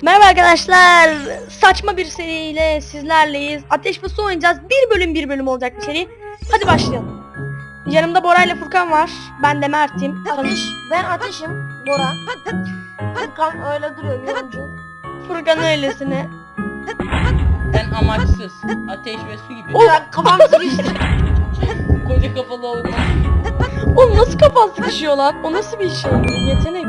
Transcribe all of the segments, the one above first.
Merhaba arkadaşlar. Saçma bir seriyle sizlerleyiz. Ateş ve Su oynayacağız. Bir bölüm olacak bir seri. Hadi başlayalım. Yanımda Bora ile Furkan var. Ben de Mert'im. Ben Ateş'im. Bora. Furkan öyle duruyor yorumcu. Furkan öylesine. Ben amaçsız. Ateş ve su gibi. Ya kafam sıkıştı. Koca kafalı olmaz. Oğlum nasıl kafan sıkışıyor lan? O nasıl bir şey? Yetenek.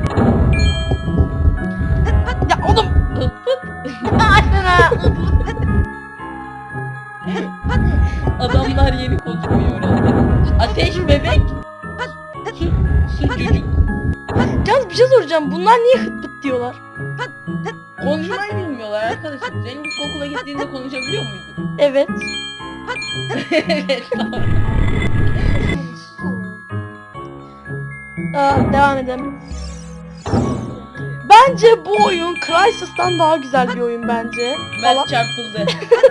Ya oğlum. Aşkına. Adamlar yeni konuşmayı öğrendi. Ateş bebek. Su çocuk. Yalnız bir şey soracağım. Bunlar niye hıt pıt diyorlar? Konuşmayı bilmiyorlar arkadaşlar. Sen ilkokula gittiğinde konuşabiliyor muydun? Evet. Evet tamam. Devam edelim. Bence bu oyun Crysis'tan daha güzel bir oyun bence. Mert çarpıldı.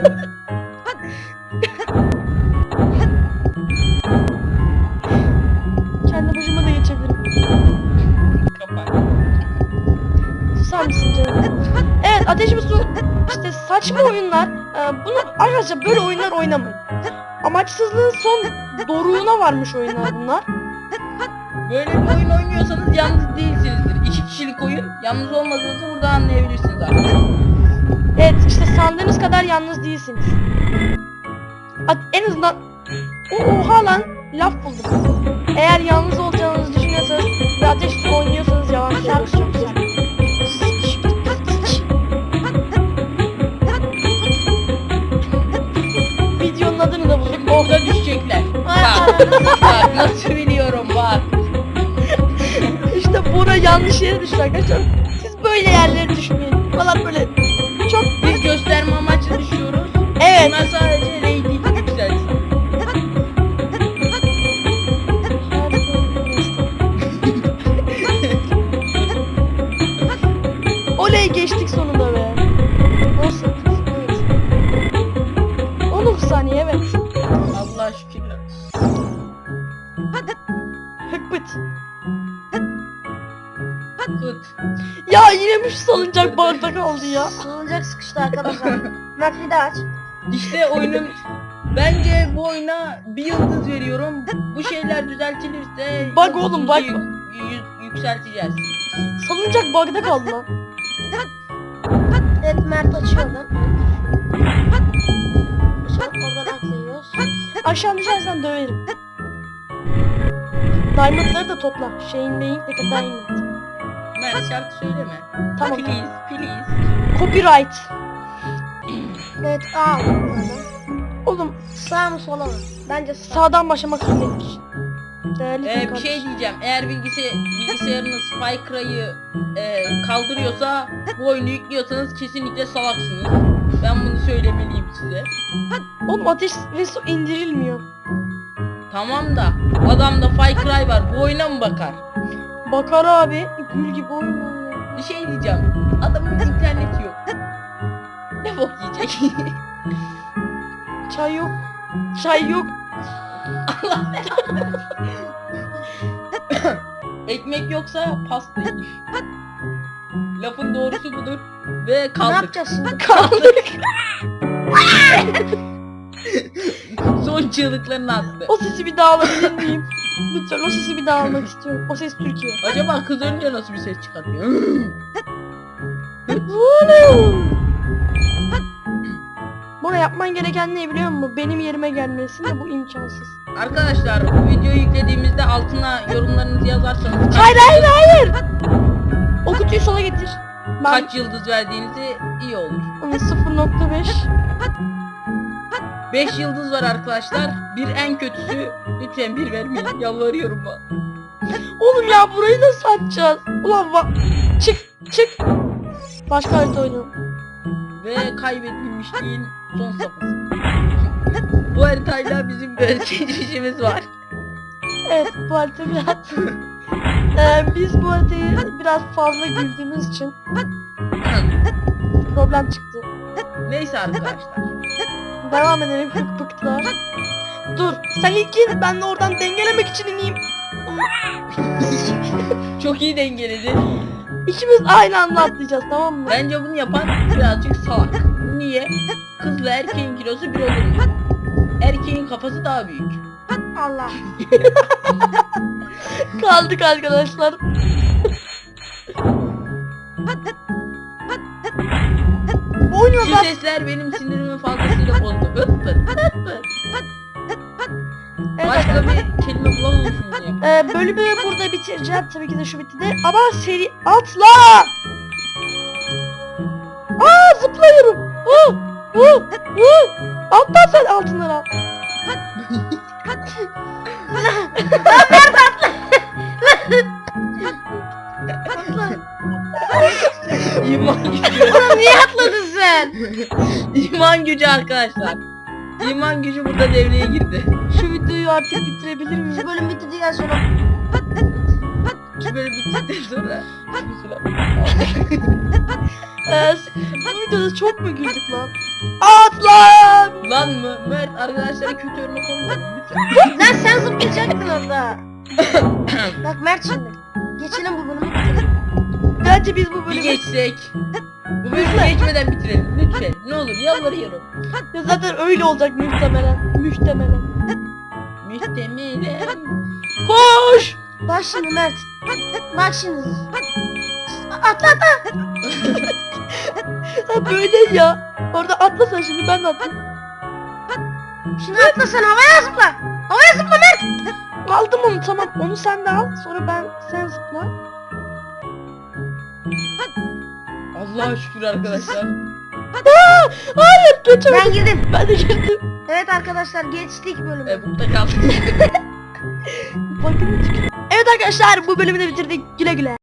Kendi başıma da geçebilirim. Kapat. Susar mısın canım? Evet, Ateş ve Su işte saçma oyunlar. Bunu arkadaşlar böyle oyunlar oynamayın. Amaçsızlığın son doruğuna varmış oyunlar bunlar. Böyle bir oyun oynuyorsanız yalnız değilsinizdir. 2 kişilik oyun. Yalnız olmadığınızı burada anlayabilirsiniz artık. Evet, işte sandığınız kadar yalnız değilsiniz. En azından oha lan, laf buldum. Eğer yalnız olacağınızı düşünüyorsanız ve Ateş Su oynuyorsanız yalan söylüyorsunuz. Videonun adını da bulduk. Orada düşecekler. Bak nasıl biliyorum bak. İşte Bora yanlış yere düştü arkadaşlar. Siz böyle yerlere düşmeyin. Falan böyle çok Biz gösterme amaçlı düşüyoruz. evet. Bunlar sadece rating yükselsin. Oley, geçtik sonunda be. Nasıl? Evet. 19 saniye, evet. Allah şükürler. Hıkbıt. Kut. Ya yine bir salıncak bardak kaldı ya. Sığınacak sıkıştı arkadaşlar. Mert bir daha aç. İşte oyunun bence bu oyuna bir yıldız veriyorum. Bu şeyler düzeltilirse Bak oğlum, bak. Yükselteceğiz. Salıncak bardak kaldı lan. Evet Mert açıyor lan. Oradan atlıyoruz. Aşağı düşersen döverim. Diamond'ları da topla. Şeyin beyin peki diamond. Mert şarkı söyleme. Tamam. Please. Copyright. Evet A aldım. Oğlum Sağ mı sola mı? Bence sağ. sağdan başlamak zorundaymış. Değerli Bir kardeşim. şey diyeceğim. Eğer bilgisayarınız Far kaldırıyorsa bu oyunu yüklüyorsanız kesinlikle salaksınız. Ben bunu söylemeliyim size. Oğlum Ateş ve Su indirilmiyor. Tamam da adamda Far var. Bu oyuna mı bakar? Bakar abi. Gül gibi oyun oynuyor. Bir şey diyeceğim. Adamın interneti yok. Ne bok yiyecek? Çay yok. Çay yok. Allah belanı. Ekmek yoksa pasta yiyin. Lafın doğrusu budur. Ve Ne kaldık. yapacağız şimdi? Kaldık. Son çığlıklarını attı. O sesi bir daha alabilir miyim? Lütfen o sesi bir daha almak istiyorum. O ses Türkiye. Acaba kız önce nasıl bir ses çıkartıyor? Buna yapman gereken ne biliyor musun? Benim yerime gelmesin de bu imkansız. Arkadaşlar bu videoyu yüklediğimizde altına yorumlarınızı yazarsanız Hayır. O kutuyu sola getir. Ben kaç yıldız verdiğinizi iyi olur. 0.5. 5 yıldız var arkadaşlar. Bir en kötüsü. Lütfen bir vermeyin. Yalvarıyorum bak. Oğlum ya burayı nasıl açacağız? Ulan çık. Başka harita oynayalım. Ve kaybedilmişliğin son safhası. Bu haritayla bizim bir geçmişimiz var. Evet, bu harita biraz... biz bu haritayı biraz fazla güldüğümüz için problem çıktı. Neyse arkadaşlar. Devam edelim hıkpıklar. Dur, sen ilk in, ben de oradan dengelemek için ineyim. Çok iyi dengeledi. İkimiz aynı anda atlayacağız, tamam mı? Bence bunu yapan birazcık salak. Niye? Kızla erkeğin kilosu bir olur mu? Erkeğin kafası daha büyük. Allah. Kaldık arkadaşlar. Oynuyor Şu ben. sesler benim sinirimi fazlasıyla bozdu. Öppür. Evet, Başka bir kelime bulamıyorsunuz ya. bölümü burada bitireceğim. Tabii ki de şu bitti de. Ama seri atla! Aa, zıplıyorum. Atla sen, altınları al. İman gücü. Oğlum niye atladın sen? İman gücü arkadaşlar. İman gücü burada devreye girdi. Şu videoyu artık bitirebilir miyim? Şu bölüm bitirdikten sonra Şu böyle bittikten sonra. Bu videoda çok mu güldük lan? Atla! Lan mı? Mert arkadaşlara kötü örnek olma. lan sen zıplayacaktın orada. Bak Mert şimdi. Geçelim bu bölümü bitirelim. Bence biz bu Bir bölümü... geçsek. Bu bölümü geçmeden bitirelim lütfen. Ne olur yalvarıyorum. Ya zaten öyle olacak muhtemelen. Muhtemelen. Muhtemelen. Koş! Bak şimdi Mert. Bak şimdi. Atla atla. Ha, böyle ya. Orada atla sen, şimdi ben de atlayayım. Şimdi atla sen havaya zıpla. Havaya zıpla Mert. Aldım onu, tamam. Onu sen de al. Sonra sen zıpla. Allah'a şükür arkadaşlar. Hayır, geçemedim. Ben girdim. Ben de girdim. Evet arkadaşlar geçtik bölümü. Burada kaldık. Bakın. Evet arkadaşlar, bu bölümü de bitirdik. Güle güle.